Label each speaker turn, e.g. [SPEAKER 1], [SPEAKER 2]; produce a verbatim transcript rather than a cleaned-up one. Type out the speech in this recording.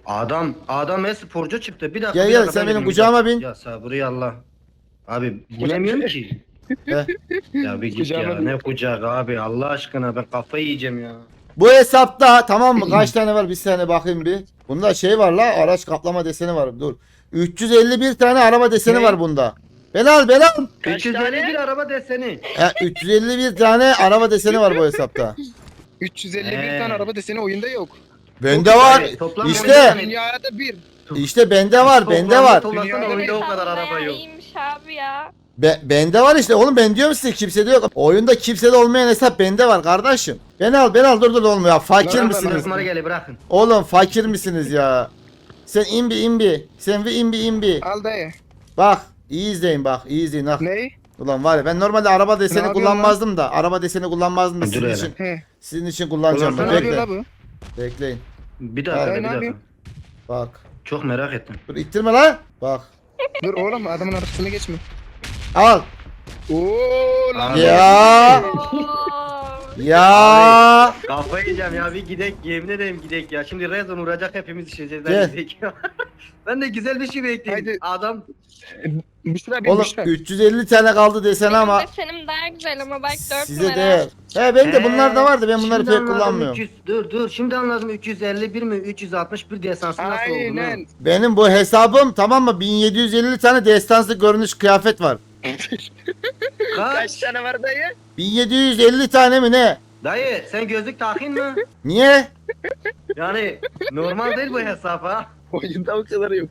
[SPEAKER 1] Adam adam e-sporcu çıktı. Bir dakika.
[SPEAKER 2] Gel
[SPEAKER 1] bir
[SPEAKER 2] gel
[SPEAKER 1] dakika,
[SPEAKER 2] sen
[SPEAKER 1] ben
[SPEAKER 2] benim
[SPEAKER 1] dedim, bir
[SPEAKER 2] kucağıma
[SPEAKER 1] dakika.
[SPEAKER 2] bin.
[SPEAKER 1] Ya sabırı Allah. Abi bilemiyorum ki.
[SPEAKER 2] Heh.
[SPEAKER 1] Ya bir git
[SPEAKER 3] Kucağıma
[SPEAKER 1] ya.
[SPEAKER 3] bin.
[SPEAKER 1] Ne kucak abi Allah aşkına ben kafayı yiyeceğim ya.
[SPEAKER 2] Bu hesapta tamam mı? Kaç tane var? Bir saniye bakayım bir. Bunda şey var la, araç kaplama deseni var. Dur. üç yüz elli bir tane araba deseni
[SPEAKER 1] Ne?
[SPEAKER 2] var bunda. Belal Belal.
[SPEAKER 3] Kaç
[SPEAKER 1] üç yüz elli bir
[SPEAKER 3] tane?
[SPEAKER 1] araba deseni.
[SPEAKER 2] E, üç yüz elli bir tane araba deseni var bu hesapta.
[SPEAKER 3] üç yüz elli bir
[SPEAKER 1] He.
[SPEAKER 3] tane araba deseni oyunda yok.
[SPEAKER 2] Bende var.
[SPEAKER 1] Yani toplam
[SPEAKER 2] İşte.
[SPEAKER 1] oyunda-
[SPEAKER 3] Dünyada bir.
[SPEAKER 2] İşte bende var, bende
[SPEAKER 1] Toplamda
[SPEAKER 2] var.
[SPEAKER 1] Toplasan
[SPEAKER 3] Dünyada
[SPEAKER 1] oyunda o
[SPEAKER 3] bir
[SPEAKER 1] kadar araba yok.
[SPEAKER 4] İyiymiş abi ya.
[SPEAKER 2] Be, bende var işte oğlum, ben diyorum size kimsede yok. Oyunda kimsede olmayan hesap bende var kardeşim. Beni al, beni al, dur dur olmuyor ya. Fakir
[SPEAKER 3] Lan, lan,
[SPEAKER 2] misiniz?
[SPEAKER 1] Bırakmaları gel bırakın.
[SPEAKER 2] Oğlum fakir misiniz ya? Sen imbi imbi. Sen bir imbi imbi.
[SPEAKER 3] Al dayı.
[SPEAKER 2] Bak iyi izleyin bak, iyi izleyin. Bak.
[SPEAKER 3] Ne?
[SPEAKER 2] Ulan var ya, ben normalde araba deseni
[SPEAKER 3] yapıyorsun
[SPEAKER 2] kullanmazdım da. Araba deseni kullanmazdım da
[SPEAKER 1] Dur
[SPEAKER 2] sizin
[SPEAKER 1] hele.
[SPEAKER 2] için.
[SPEAKER 3] He.
[SPEAKER 2] Sizin için kullanacağım
[SPEAKER 1] Ulan
[SPEAKER 2] ben.
[SPEAKER 3] Ne yapıyor
[SPEAKER 2] Bekle.
[SPEAKER 3] la bu?
[SPEAKER 2] Bekleyin.
[SPEAKER 1] Bir dakika
[SPEAKER 3] Ay,
[SPEAKER 1] bir
[SPEAKER 3] ne
[SPEAKER 1] dakika.
[SPEAKER 3] yapıyor?
[SPEAKER 2] Bak.
[SPEAKER 1] Çok merak ettim.
[SPEAKER 2] Dur ittirme lan. Bak.
[SPEAKER 3] Dur oğlum adamın arasını geçme.
[SPEAKER 2] Al.
[SPEAKER 3] Oo lan.
[SPEAKER 1] Abi.
[SPEAKER 2] Ya.
[SPEAKER 4] Oo.
[SPEAKER 2] Ya.
[SPEAKER 1] Kafayı yiyeceğim ya bir gidek yemin ederim gidek ya. Şimdi Rezon vuracak hepimiz düşeceğiz.
[SPEAKER 2] Gel.
[SPEAKER 1] Ben gidek ya. Ben de güzel bir şey bekleyeyim.
[SPEAKER 3] Haydi.
[SPEAKER 1] Adam
[SPEAKER 3] Büşra bir
[SPEAKER 2] Oğlum
[SPEAKER 3] Büşra.
[SPEAKER 2] üç yüz elli tane kaldı desen
[SPEAKER 4] Benim
[SPEAKER 2] ama
[SPEAKER 4] desenim daha güzel ama bak dört
[SPEAKER 2] size
[SPEAKER 4] numara.
[SPEAKER 2] değer. He benim de
[SPEAKER 1] He,
[SPEAKER 2] bunlar da vardı, ben bunları
[SPEAKER 1] şimdi
[SPEAKER 2] pek
[SPEAKER 1] anladım,
[SPEAKER 2] kullanmıyorum.
[SPEAKER 1] üç yüz dur dur şimdi anladım üç yüz elli bir mi üç yüz altmış bir desansı nasıl olduğunu.
[SPEAKER 3] Aynen.
[SPEAKER 2] Benim bu hesabım tamam mı, bin yedi yüz elli tane destansı görünüş kıyafet var.
[SPEAKER 1] Kaç?
[SPEAKER 3] Kaç tane var dayı?
[SPEAKER 2] bin yedi yüz elli tane mi ne?
[SPEAKER 1] Dayı sen gözlük takın mı?
[SPEAKER 2] Niye?
[SPEAKER 1] Yani normal değil bu hesap ha.
[SPEAKER 3] Oyunda o kadar yok.